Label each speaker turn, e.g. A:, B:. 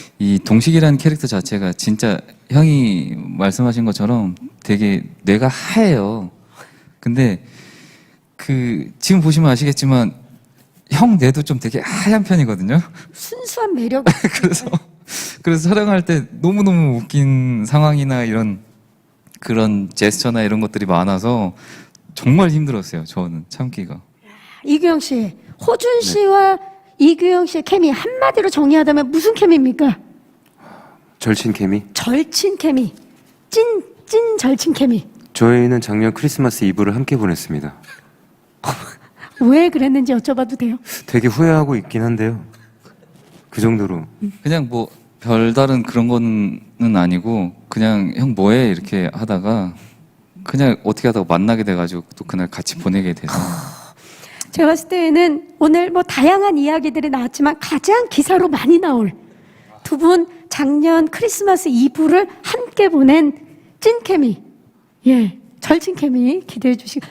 A: 이 동식이라는 캐릭터 자체가 진짜 형이 말씀하신 것처럼 되게 뇌가 하얘요. 근데 그 지금 보시면 아시겠지만 형 뇌도 좀 되게 하얀 편이거든요.
B: 순수한 매력.
A: 그래서 촬영할 때 너무너무 웃긴 상황이나 이런 그런 제스처나 이런 것들이 많아서 정말 힘들었어요. 저는 참기가.
B: 이규영 씨, 호준 씨와 이규영 씨의 케미 한마디로 정의하자면 무슨 케미입니까?
C: 절친 케미.
B: 절친 케미. 찐 절친 케미.
C: 저희는 작년 크리스마스 이브를 함께 보냈습니다.
B: 왜 그랬는지 여쭤봐도 돼요?
C: 되게 후회하고 있긴 한데요. 그 정도로.
A: 그냥 뭐 별다른 그런 거는 아니고 그냥 형 뭐해 이렇게 하다가 그냥 어떻게 하다가 만나게 돼가지고 또 그날 같이 보내게 돼서
B: 제가 봤을 때는 오늘 뭐 다양한 이야기들이 나왔지만 가장 기사로 많이 나올 두 분 작년 크리스마스 이브를 함께 보낸 찐 케미. 예, 절친 케미 기대해 주시고